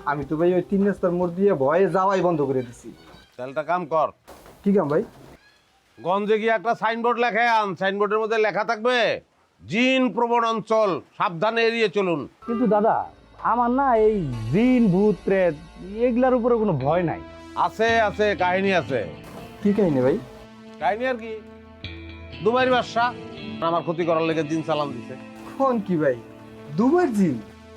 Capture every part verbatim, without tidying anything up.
আমি তো ভাই ওই তিন রাস্তার মোড় দিয়ে ভয়ে যাওয়াই বন্ধ করে দিছি। তাহলে কাম কর, কি কাম ভাই? গঞ্জে গিয়ে একটা সাইনবোর্ড লেখে আন। সাইনবোর্ডের মধ্যে লেখা থাকবে জিন প্রবণ অঞ্চল, সাবধানে এড়িয়ে চলুন। কিন্তু দাদা আমার না এই জিন ভূত প্রেত এগুলার উপরে কোনো ভয় নাই। আছে আছে, কাহিনী আছে। কি কাহিনী ভাই? কাহিনী আর কি, দুবাইয়ের বাদশা আমার ক্ষতি করার লেগে জিন সালাম দিছে। ফোন কি ভাই, দুবার জিন?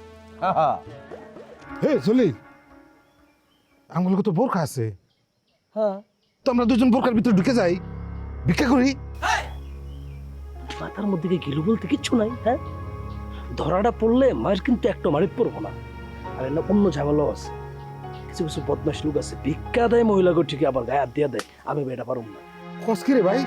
হে জলিল, আমগুলো তো বোরখা আছে। হ্যাঁ, তো আমরা দুজন বোরখার ভিতরে ঢুকে যাই, ভিক্ষা করি। মাথার মধ্যে কি গিলু বলতে কিচ্ছু নাই? হ্যাঁ, ধরাটা পড়লে মায়ের কিন্তু একটা মারিত পড়বো না। আর না অন্য ঝামেলাও আছে, কিছু কিছু বদমাশ লোক আছে ভিক্ষা দেয় মহিলাকে, ঠিকই আবার গায়ে হাত দিয়ে দেয়। আমি এটা পারব না। কস কি রে ভাই?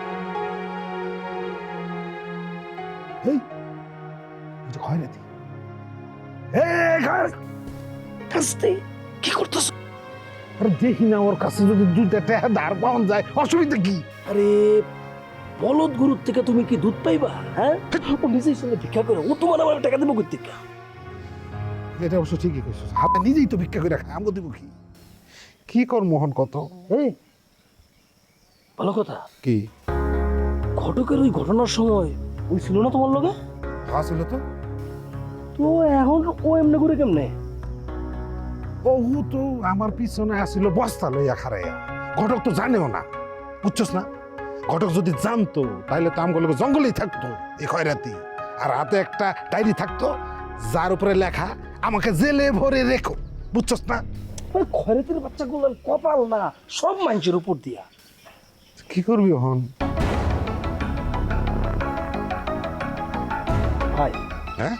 এই এটা হয় নাকি? এই গাছ হাসতে কি করতেছ? আরে দেখি না, ওর কাছে যদি দুইটা টাকা ধার পাওয়া যায় অসুবিধা কি? আরে বলদ গুরুর থেকে তুমি কি দুধ পাইবা? হ্যাঁ, ও নিজেই সঙ্গে ভিক্ষা করে, ও তোমার আমার টাকা দেবো কোথা থেকে? এটা অবশ্য ঠিকই কইছিস, হাতে নিজেই তো ভিক্ষা করে খাই, আমগো দিব কি? কি কর মোহন কত? এই ভালো কথা কি ঘটকের ওই ঘটনার সময় ওই ছিল না তোমার লগে? আসলে তো তো এখন ও এমনি করে কেমনে? ও তো আমার পিছনে আসিল বস্তা লইয়া খারাইয়া। ঘটক তো জানেও না, বুঝছস না? ঘটক যদি জানতো তাহলে তো আমগুলো জঙ্গলেই থাকতো এই খয়রাতি। আর হাতে একটা ডায়েরি থাকতো যার উপরে লেখা আমাকে জেলে ভরে রেখো, বুঝছস না? ওই খয়রাতির বাচ্চাগুলোর কপাল না সব মানুষের উপর দিয়া। কি করবি হন? ভাই হ্যাঁ,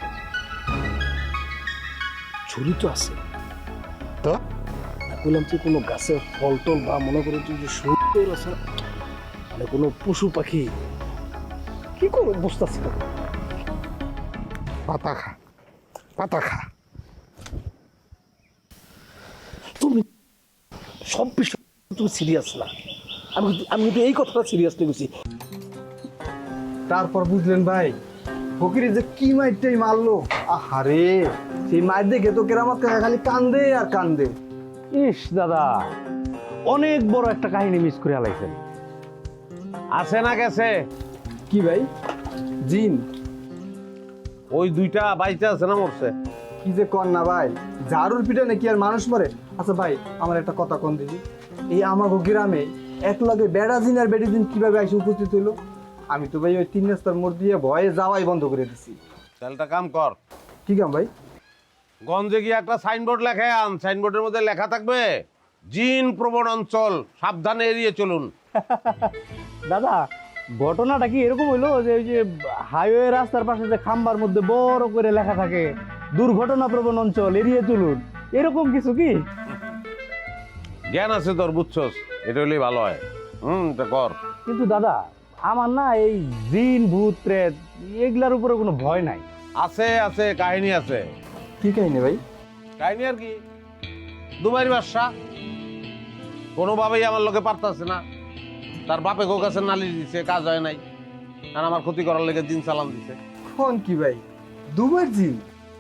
ছুরি তো আছে, তো বললাম যে কোনো গাছে ফল টল বা মনে করো তুই যে সুন্দর আছে না, মানে কোনো পশু পাখি কি করবো বুঝতেছি না। পাতা খা, পাতা খা। তুমি সব বিষয় তুমি সিরিয়াস না, আমি কিন্তু- আমি কিন্তু এই কথাটা সিরিয়াস নিয়েছি। তারপর বুঝলেন ভাই ফকিরে যে কি মাইরটাই মারলো। আহারে, সেই মাইর দেখে তো কেরামত কাকা খালি কান্দে আর কান্দে। ইস দাদা, অনেক বড় একটা কাহিনী মিস করে আলাইছেন। আছে না গেছে? কি ভাই? জিন? ওই দুইটা বাইচে আছে না মরছে? কি যে কর না ভাই, ঝাড়ুর পিঠে নাকি আর মানুষ মরে? আচ্ছা ভাই, আমার একটা কথা কোন দিদি, এই আমাগো গ্রামে এক লগে বেড়া জিন আর বেড়ি জিন কিভাবে এসে উপস্থিত হইলো? আমি তো ভাই ওই তিন রাস্তার মোড় দিয়ে ভয়ে যাওয়াই বন্ধ করে দিছি। তাহলে কাম কর, কি কাম ভাই? গঞ্জে গিয়ে একটা সাইনবোর্ড লেখে আন। সাইনবোর্ডের মধ্যে লেখা থাকবে জিন প্রবণ অঞ্চল, সাবধানে এড়িয়ে চলুন। দাদা ঘটনাটা কি এরকম হইলো যে ওই যে হাইওয়ে রাস্তার পাশে যে খাম্বার মধ্যে বড় করে লেখা থাকে দুর্ঘটনা প্রবণ অঞ্চল এড়িয়ে চলুন, এরকম কিছু কি? জ্ঞান আছে তোর, বুঝছস? এটা হলেই ভালো হয়। হুম, এটা কর। কিন্তু দাদা আমার না এই জিন ভূত প্রেত এগুলার উপরে কোনো ভয় নাই। আছে আছে, কাহিনী আছে। কি কাহিনী ভাই? কাহিনী আর কি, দুবাইয়ের বাদশা কোনোভাবেই আমার লোকে পারতাছে না। তার বাপে গো কাছে নালিশ দিছে, কাজ হয় নাই। আর আমার ক্ষতি করার লেগে জিন সালাম দিছে। ফোন কি ভাই, দুবার জিন?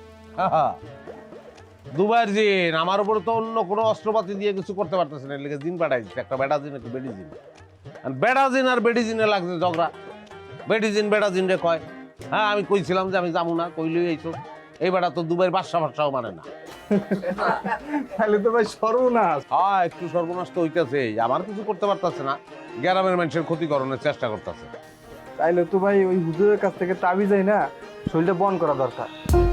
দুবাইয়ের জিন আমার উপর তো অন্য কোনো অস্ত্রপাতি দিয়ে কিছু করতে পারতেছে না, লেগে জিন পাঠাই দিচ্ছে। একটা বেটা জিন, একটা বেডি জিন। আর বেড়া জিন আর বেডি জিনে লাগছে ঝগড়া। বেডি জিন বেড়া জিন রে কয়, হ্যাঁ আমি কইছিলাম যে আমি যাবো না, কইলেই এইসব। এই বেটা তো দুবাইয়ের বাদশা ভাষাও মানে না। তাহলে তো ভাই সর্বনাশ। হ্যাঁ, একটু সর্বনাশ তো হইতেছে, আমার কিছু করতে পারতেছে না, গ্রামের মানুষের ক্ষতিকরণের চেষ্টা করতেছে। তাইলে তো ভাই ওই হুজুরের কাছ থেকে তাবি যায় না, শরীরটা বন করা দরকার।